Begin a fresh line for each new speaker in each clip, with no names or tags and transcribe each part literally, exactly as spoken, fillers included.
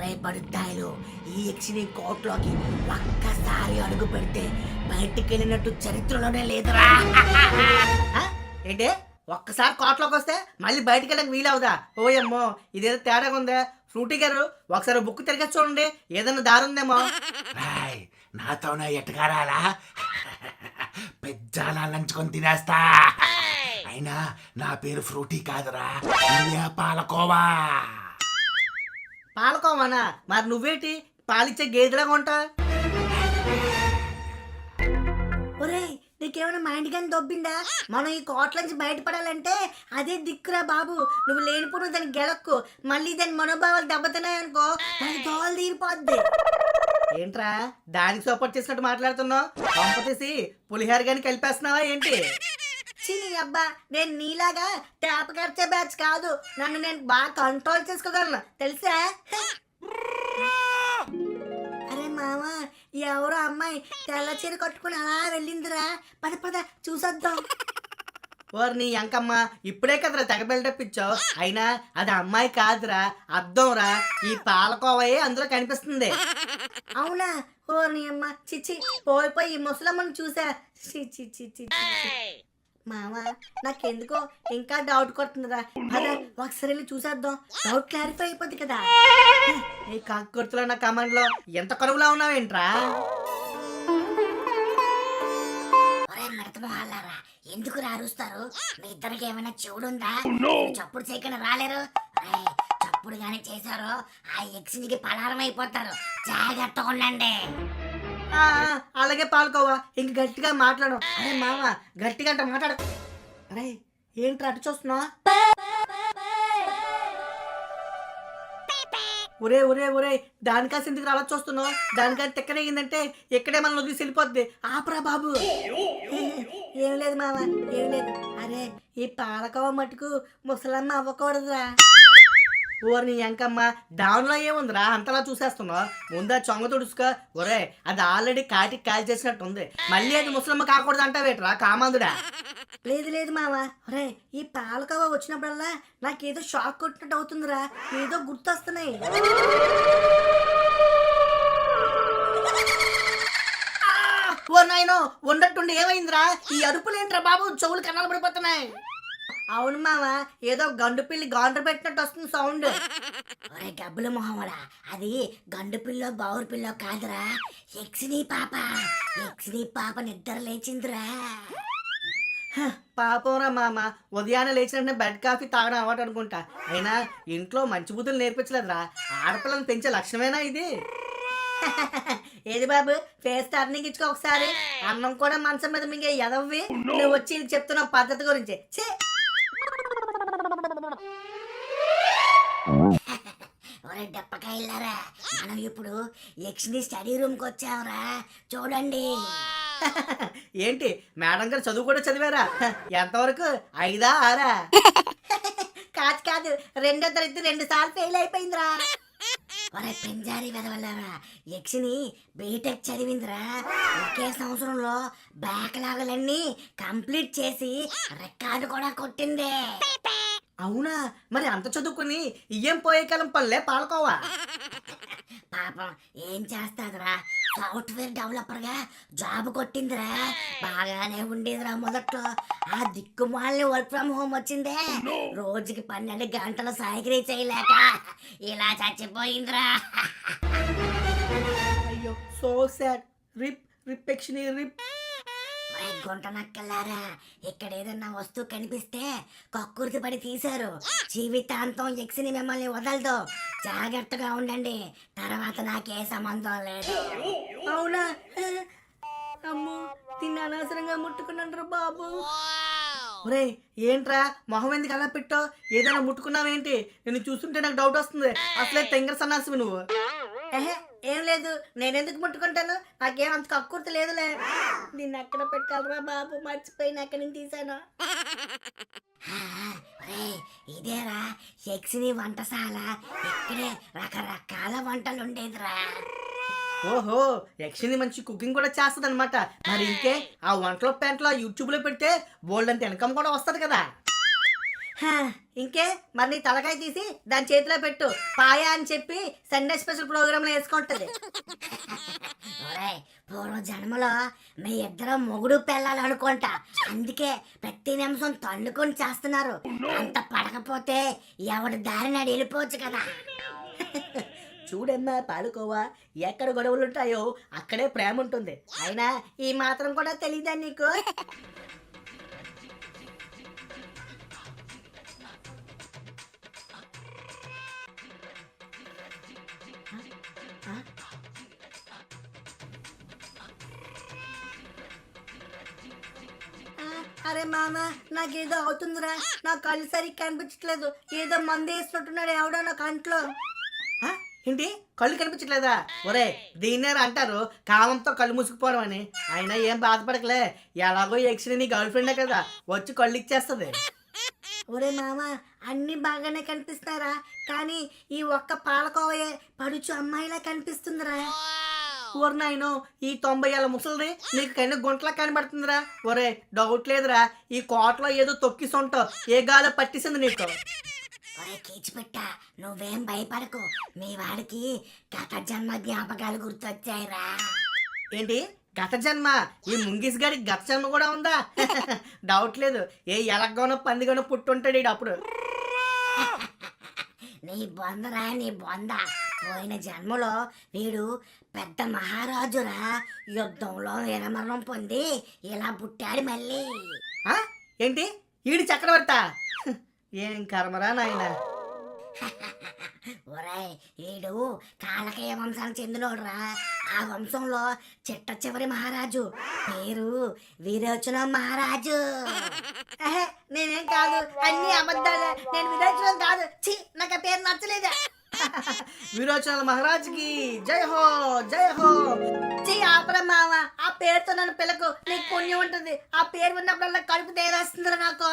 ఒరే బడుద్దాయిలు, ఈ యక్షిని కోట్లోకి ఒక్కసారి అడుగు పెడితే బయటికి వెళ్ళినట్టు చరిత్రలోనే లేదురా.
ఆ? ఏంటి ఒక్కసారి కోట్లోకి వస్తే మళ్ళీ బయటికి వెళ్ళడానికి వీలవుదా? ఓయమ్మో ఇదేదో తేడాగా ఉందా. ఫ్రూటీ గారు ఒకసారి బుక్ తిరిగి చూడండి, ఏదైనా దారి ఉందేమో.
రాయ్ నాతోనే ఎట్టుకారాలా పెజ్జాలా లంచుకొని తినేస్తా. అయినా నా పేరు ఫ్రూటీ కాదురా, ఇండియా పాలకోవా.
పాలకోవానా? మరి నువ్వేటి పాలిచ్చే గేదెలాగా ఉంటా?
ఒరే నీకేమైనా మైండ్ కానీ దొబ్బిందా? మనం ఈ కోట్ల నుంచి బయటపడాలంటే అదే దిక్కురా బాబు. నువ్వు లేనిపోను దాన్ని గెలక్కు, మళ్ళీ దాని మనోభావాలు దెబ్బతిన్నాయనుకో దాని దోవలు తీరిపోద్ది.
ఏంట్రా దానికి సపోర్ట్ చేసినట్టు మాట్లాడుతున్నావు? పంపతీసి పులిహార గాని కలిపేస్తున్నావా ఏంటి?
చిని అబ్బా, నేను నీలాగా ట్యాప్ ఖర్చే బ్యాచ్ కాదు. నన్ను నేను బాగా కంట్రోల్ చేసుకోగలను తెలుసా? అరే మామ, ఎవరో అమ్మాయి తెల్ల చీర కట్టుకుని అలా వెళ్ళిందిరా. పద పద చూసొద్దాం.
ఓర్ నీ అంకమ్మ, ఇప్పుడే కదరా తెగ బిల్డప్ ఇచ్చావు. అయినా అది అమ్మాయి కాదురా, అర్థం రా. ఈ పాలకోవయే అందులో కనిపిస్తుంది.
అవునా? ఓ నీ అమ్మ, చిచ్చి పోయి పోయి ఈ ముసలమ్మని చూసా. చి చి చి చి మామ, నాకెందుకో ఇంకా డౌట్ కొడుతుందిరా. పద ఒకసారి వెళ్ళి చూసేద్దాం, డౌట్ క్లారిఫై అయిపోద్ది కదా.
ఈ కాకుర్తులో నా కమాండ్ లో ఎంత కరువులా ఉన్నావేంట్రా?
మడతమోహాలారా, ఎందుకు రారుస్తారు? మీ ఇద్దరికి ఏమైనా చెవుడుందా? చప్పుడు చేయకుండా రాలేరు. రేయ్, చప్పుడు గానీ చేశారో ఆ యక్షినికి పలారం అయిపోతారు. జాగ్రత్తగా ఉండండి.
ఆ, అలాగే పాలకోవా, ఇంక గట్టిగా మాట్లాడు. అరే మామ, గట్టిగా అంటే మాట్లాడు. అరే ఏంట్రా అటు చూస్తున్నావా? ఒరే ఒరే ఒరే దానికాసి ఎందుకు అలా చూస్తున్నావు? దానికాసి తెక్కనేగిందంటే ఇక్కడే మనం వదిలేసి వెళ్ళిపోద్ది. ఆపరా బాబు.
ఏం లేదు మామ, ఏం లేదు. అరే ఈ పాలకోవ మటుకు ముసలమ్మ అవ్వకూడదురా.
ఓరి ఎంకమ్మ, డౌన్లో ఏముందిరా అంతలా చూసేస్తున్నావు? ముందా చొంగ తుడుచుకో. ఒరే అది ఆల్రెడీ కాటికి కాల్ చేసినట్టు ఉంది, మళ్ళీ అది ముసలమ్మ కాకూడదు అంటావేట్రా కామాందుడా?
లేదు లేదు మామ. ఒరే ఈ పాలకోవ వచ్చినప్పుడల్లా నాకేదో షాక్ కొట్టినట్టు అవుతుందిరా. ఏదో గుర్తొస్తున్నాయి.
ఓ నాయనో, ఉండట్టుండి ఏమైందిరా? ఈ అరుపులేంట్రా బాబు, చెవులు కన్నాలు పడిపోతున్నాయి.
అవును మామ, ఏదో గండు పిల్లి గాండ్ర పెట్టినట్టు వస్తుంది సౌండ్. ఒరే గబ్బుల మొహమడా, అది గండు పిల్లో బావురు పిల్లో కాదురా, యక్షిని పాప. యక్షిని పాప నిద్ర లేచిందిరా.
పాపంరా మామ, ఉదయాన్నే లేచినట్టే బెడ్ కాఫీ తాగడం అలవాటు అనుకుంటా. అయినా ఇంట్లో మంచి బుద్ధులు నేర్పించలేదురా. ఆడపిల్లని పెంచే లక్ష్యమేనా ఇది?
ఏది బాబు, ఫేస్ టర్నింగ్ ఇచ్చుకో ఒకసారి. అన్నం కూడా మంచం మీద మింగే ఎదవ్వి నువ్వు వచ్చి చెప్తున్న పద్ధతి గురించి. ఛే! ఒరే డప్పకాయలారా, మనం ఇప్పుడు యక్షిని స్టడీ రూమ్ కి వచ్చావురా. చూడండి.
ఏంటి మేడం గారు చదువు కూడా చదివారా? ఎంతవరకు? ఐదా ఆరా?
కాదు కాదు, రెండో తరగతి రెండు సార్లు ఫెయిల్ అయిపోయిందిరా. ఒరే పెంజారి వెదవల్లారా, యక్షిని బీటెక్ చదివిందిరా. ఒకే సంవత్సరంలో బ్యాక్లాగులన్నీ కంప్లీట్ చేసి రికార్డు కూడా కొట్టింది.
అవునా? మరి అంత చదువుకుని ఇయ్యం పోయే కాలం పనులే పాలకోవా.
పాపం ఏం చేస్తాదిరా, సాఫ్ట్వేర్ డెవలపర్ గా జాబ్ కొట్టిందిరా. బాగానే ఉండేదిరా మొదట్లో. ఆ దిక్కుమాలని వర్క్ ఫ్రమ్ హోమ్ వచ్చిందే, రోజుకి పన్నెండు గంటలు సైకిల్ చేయలేక ఇలా చచ్చిపోయిందిరా.
అయ్యో సో సాడ్. రిప్ రిప్ యక్షిని రిప్.
గుంట నక్కలారా, ఇక్కడ ఏదన్నా వస్తువు కనిపిస్తే కక్కుర్తి పడి తీశారు. జీవితాంతం యక్షిని మిమ్మల్ని వదలదు. జాగ్రత్తగా ఉండండి, తర్వాత నాకే సంబంధం లేదు.
అవునా? అమ్మో, తిన్న అనవసరంగా ముట్టుకున్నాను బాబు. ఒరే ఏంట్రా మొహం ఎందుకు అలా పెట్టావు? ఏదైనా ముట్టుకున్నావేంటి? నేను చూస్తుంటే నాకు డౌట్ వస్తుంది. అసలే తెంగర సన్నాసివి నువ్వు.
ఏం లేదు, నేనెందుకు ముట్టుకుంటాను? నాకేం అంత కక్కుర్తి లేదులే. దీన్ని ఎక్కడ పెట్టాలరా బాబు, మర్చిపోయిన ఎక్కడి నుంచి తీసాను. ఇదేరా యక్షిని వంటశాల. ఇక్కడే రకరకాల వంటలు ఉండేదిరా.
ఓహో, యక్షిని మంచి కుకింగ్ కూడా చేస్తుంది అనమాట. మరి ఇంకే ఆ వంటలో పెంట్లో యూట్యూబ్ లో పెడితే బోల్డ్ అంత ఇన్కమ్ కూడా వస్తుంది కదా. హా, ఇంకే మరి నీ తలకాయ తీసి దాని చేతిలో పెట్టు పాయా అని చెప్పి సండే స్పెషల్ ప్రోగ్రాంలో వేసుకుంటది.
ఒరేయ్, పూర్వ జన్మలో మీ ఇద్దరు మొగుడు పెళ్ళాలి అనుకుంటా, అందుకే ప్రతి నిమిషం తన్నుకొని చేస్తున్నారు. అంత పడకపోతే ఎవడి దారిని అడి వెళ్ళిపోవచ్చు కదా.
చూడమ్మా పాలుకోవా, ఎక్కడ గొడవలు ఉంటాయో అక్కడే ప్రేమ ఉంటుంది. అయినా ఈ మాత్రం కూడా తెలీదా నీకు? అరే మామ, నాకేదో అవుతుందిరా, నా కళ్ళు సరిగ్గా కనిపించట్లేదు, ఏదో మందు వేసినట్టున్నాడు ఎవడో నా కంట్లో. ఆ, ఏంటి కళ్ళు కనిపించట్లేదా? ఒరే, దీన్నేరా అంటారు కామంతో కళ్ళు మూసుకుపోవడం అని. అయినా ఏం బాధపడకలే, ఎలాగో ఎక్స్ నీ గర్ల్ ఫ్రెండే కదా, వచ్చి కళ్ళు ఇచ్చేస్తుంది. ఒరే మామ, అన్ని బాగానే కనిపిస్తారా, కానీ ఈ ఒక్క పాలకోవయే పడుచు అమ్మాయిలా కనిపిస్తుందిరా. ఊరినాయను, ఈ తొంభై ఏళ్ళ ముసలిది నీకు కన్నా గుంటలా కనబడుతుందిరా. ఒరే, డౌట్ లేదురా, ఈ కోటలో ఏదో తొక్కిసొంటావు, ఏ గాలో పట్టిసింది నీకు.
ఒరే కీచిపెట్ట, నువ్వేం భయపడకు, మీ వాడికి గత జన్మ జ్ఞాపకాలు గుర్తొచ్చాయిరా.
ఏంటి గత జన్మ? ఈ ముంగిస్ గారికి గత జన్మ కూడా ఉందా? డౌట్ లేదు, ఏ ఎలగ్గానో పందిగానో పుట్టుంటాడు ఈడు అప్పుడు.
నీ బొందరా నీ బొంద, పోయిన జన్మలో వీడు పెద్ద మహారాజురా, యుద్ధంలో వీరమరణం పొంది ఇలా పుట్టాడు మళ్ళీ.
ఆ? ఏంటి ఈడు చక్రవర్త? ఏం కర్మరా నాయన.
ఒరేయ్, వీడు కాలకేయ వంశానికి చెందినోడురా. ఆ వంశంలో చిట్ట చివరి మహారాజు, పేరు వీరోచనం మహారాజు.
ఆహా, నేనేం కాదు, అన్ని అబద్ధాలే, నేను విరోచనం కాదు. ఛీ, నాకు ఆ పేరు నచ్చలేదు. విరోచనాల మహారాజుకి జై హో జై హో. ఛీ, ఆపరా మామ, ఆ పేరుతో నన్ను పిల్లకు, నీకు పుణ్యం ఉంటుంది. ఆ పేరు ఉన్నప్పుడల్లా కడుపు తేరేస్తుందిరా నాకు.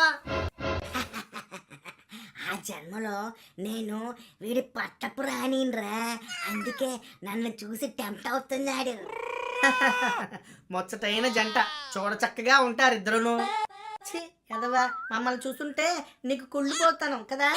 ఆ జన్మలో నేను వీడి పట్టపు రానిరా, అందుకే నన్ను చూసి టెంప్ట్ అవుతున్నాడు.
ముచ్చటైన జంట, చూడ చక్కగా ఉంటారు ఇద్దరును. ఛీ, ఎదవా, మమ్మల్ని చూస్తుంటే నీకు కుళ్ళిపోతాను కదా.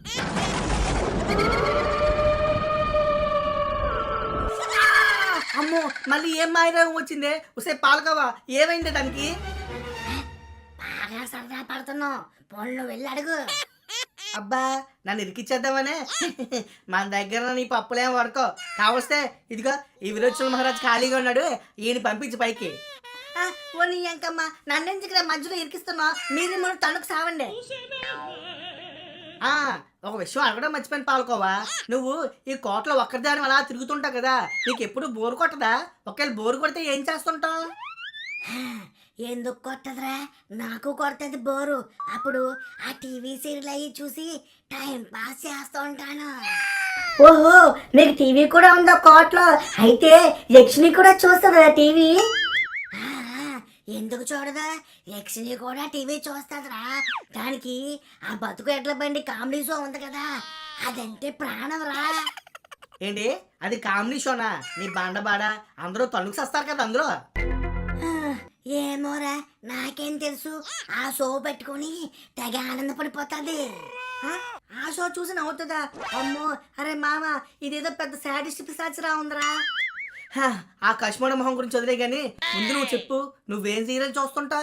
అమ్మో, మళ్ళీ ఏం మాయరోగం వచ్చిందే? ఉసే పాలకవా, ఏమైంది దానికి?
బాగా సరదా పడుతున్నావు, పొన్ను వెళ్ళి అడుగు.
అబ్బా, నన్ను ఇరికిచ్చేద్దామనే. మన దగ్గర నీ పప్పులేం వరకో, కావస్తే ఇదిగో ఈ విరోచన మహారాజ్ ఖాళీగా ఉన్నాడు, ఈయన పంపించి పైకి. ఓ నీ అంకమ్మ, నన్నెందుకు మధ్యలో ఇరికిస్తున్నా? మీరు మనం తణుకు సావండి. ఆ, ఒక విషయం అడగడం మర్చిపోయిన పాల్కోవా, నువ్వు ఈ కోటలో ఒక్కరిదాని అలా తిరుగుతుంటావు కదా, నీకు ఎప్పుడు బోరు కొట్టదా? ఒకవేళ బోరు కొడితే ఏం చేస్తుంటావు?
ఎందుకు కొట్టదురా, నాకు కొడుతుంది బోరు. అప్పుడు ఆ టీవీ సీరియల్ అయ్యి చూసి టైం పాస్ చేస్తూ ఉంటాను.
ఓహో, నీకు టీవీ కూడా ఉందా కోటలో? అయితే యక్షిని కూడా చూస్తుందా టీవీ?
ఆ, ఎందుకు చూడదా, యక్షిని కూడా టీవీ చూస్తుందిరా. దానికి ఆ బతుకు ఎడ్ల బండి కామెడీ షో ఉంది కదా, అదంటే ప్రాణం రా.
ఏంటి అది కామెడీ షోనా? నీ బండబాడ అందరూ తణుకు వస్తారు కదా అందులో.
ఏమోరా, నాకేం తెలుసు, ఆ షో పెట్టుకుని తెగ ఆనందపడిపోతుంది.
ఆ షో చూసి నవ్వుతుందా? అమ్మో, అరే మామ, ఇదేదో పెద్ద సాడిస్ట్ పిశాచిరా ఉందిరా. హా, ఆ కశ్మీర మొహం గురించి వదిలే గాని ముందు నువ్వు చెప్పు, నువ్వేం సీరియల్ చూస్తుంటా?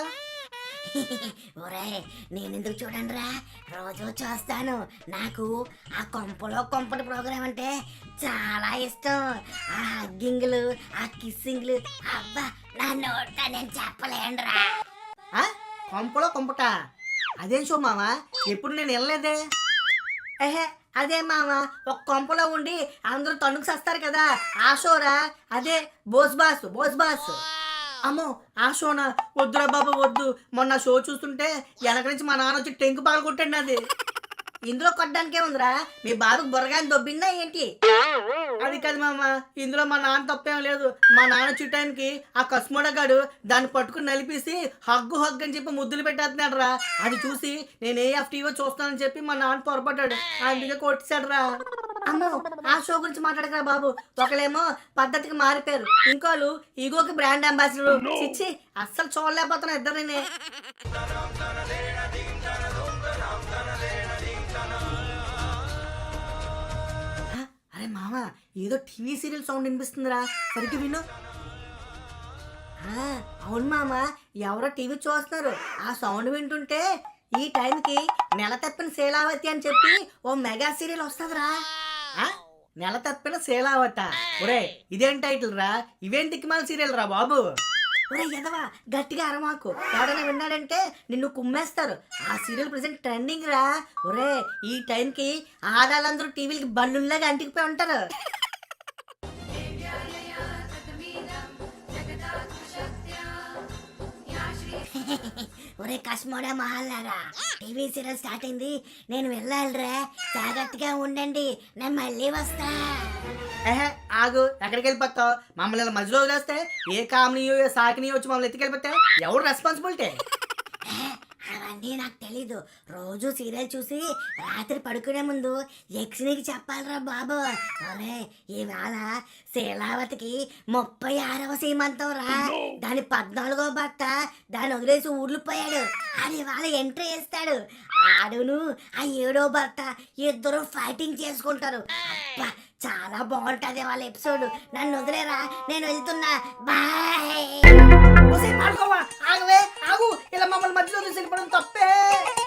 ఒరే, నేనెందుకు చూడండి రా, రోజు చూస్తాను. నాకు ఆ కొంపలో కొంపటి ప్రోగ్రాం అంటే చాలా ఇష్టం. ఆ హగ్గింగ్లు, ఆ కిస్సింగ్లు, అబ్బా, నా నోట నేను చెప్పలేనురా.
కొంపలో కొంపట అదేం షో మామ? ఎప్పుడు నేను వెళ్ళలేదే. ఏహే, అదే మామ, ఒక కొంపలో ఉండి అందరూ తణుకు వస్తారు కదా, ఆ షోరా. అదే బోస్ బాస్, బోస్ బాస్. అమ్మో, ఆ షోనా? వద్దురా బాబు వద్దు. మొన్న షో చూస్తుంటే వెనక నుంచి మా నాన్న వచ్చి టెంకు పగలు కొట్టండి. అది ఇందులో కొట్టడానికే ఉందిరా, మీ బాబుకి బుర్రగాని దొబ్బిందా ఏంటి? అది కాదు మామ, ఇందులో మా నాన్న తప్పేం లేదు. మా నాన్న చుట్టానికి ఆ కస్మోడగాడు దాన్ని పట్టుకుని నలిపేసి హగ్గు హగ్గు అని చెప్పి ముద్దులు పెట్టేస్తున్నాడు రా. అది చూసి నేను ఏ ఎఫ్ టీవో చూస్తానని చెప్పి మా నాన్న పొరపడ్డాడు, అందుకే కొట్టేశాడు రా. అమ్మో, ఆ షో గురించి మాట్లాడకరా బాబు. ఒకళ్ళేమో పద్ధతికి మారిపోయారు, ఇంకోళ్ళు ఈగోకి బ్రాండ్ అంబాసిడర్. చిచ్చి, అస్సలు చూడలేకపోతున్నా ఇద్దరినే. ఏదో టీవీ సీరియల్ సౌండ్ వినిపిస్తుందిరా, సరిగ్గా విను. ఆ, అవును మామ, ఎవరో టీవీ చూస్తున్నారు. ఆ సౌండ్ వింటుంటే ఈ టైంకి నెల తప్పిన శీలావతి అని చెప్పి ఓ మెగా సీరియల్ వస్తుందిరా. ఆ, నెల తప్పిన శీలావత. ఒరే ఇదేం టైటిల్ రా, ఇవేం దిక్కుమాల సీరియల్ రా బాబు. ఒరే ఎదవా, గట్టిగా అరమాకు, ఎవడైనా విన్నాడంటే నిన్ను కుమ్మేస్తారు. ఆ సీరియల్ ప్రెసెంట్ ట్రెండింగ్ రా. ఒరే ఈ టైంకి ఆడాళ్ళందరూ టీవీలకి బల్లుల్లాగా అంటికిపోయి ఉంటారు.
ఒరే కస్మోడా మహల్లాగా, టీవీ సీరియల్ స్టార్ట్ అయింది, నేను వెళ్ళాలిరా. జాగ్రత్తగా ఉండండి, నేను మళ్ళీ వస్తా.
ఏహే ఆగు, ఎక్కడికి వెళ్ళిపోతావు? మమ్మల్ని ఇలా మధ్యలో వదిలేస్తే ఏ కామెనీయో ఏ సాకినీయో వచ్చి మమ్మల్ని ఎత్తుకెళ్ళిపోతే ఎవరు రెస్పాన్సిబిలిటీ?
అవన్నీ నాకు తెలీదు. రోజు సీరియల్ చూసి రాత్రి పడుకునే ముందు యక్షినికి చెప్పాలిరా బాబు. అరే ఇవాళ శీలావతికి ముప్పై ఆరవ సీమంతం రా. దాని పద్నాలుగో భర్త దాన్ని వదిలేసి ఊర్లిపోయాడు. అది ఇవాళ ఎంట్రీ ఇస్తాడు. ఆడును ఆ ఏడో భర్త ఇద్దరు ఫైటింగ్ చేసుకుంటారు. అబ్బా చాలా బాగుంటది వాళ్ళ ఎపిసోడ్. నన్ను వదిలేరా, నేను వెళ్తున్నా, బాయ్.
ఆగవే ఆగు, ఇలా మమ్మల్ని మధ్యలో తీసుకెళ్ళిపోవడం తప్పే.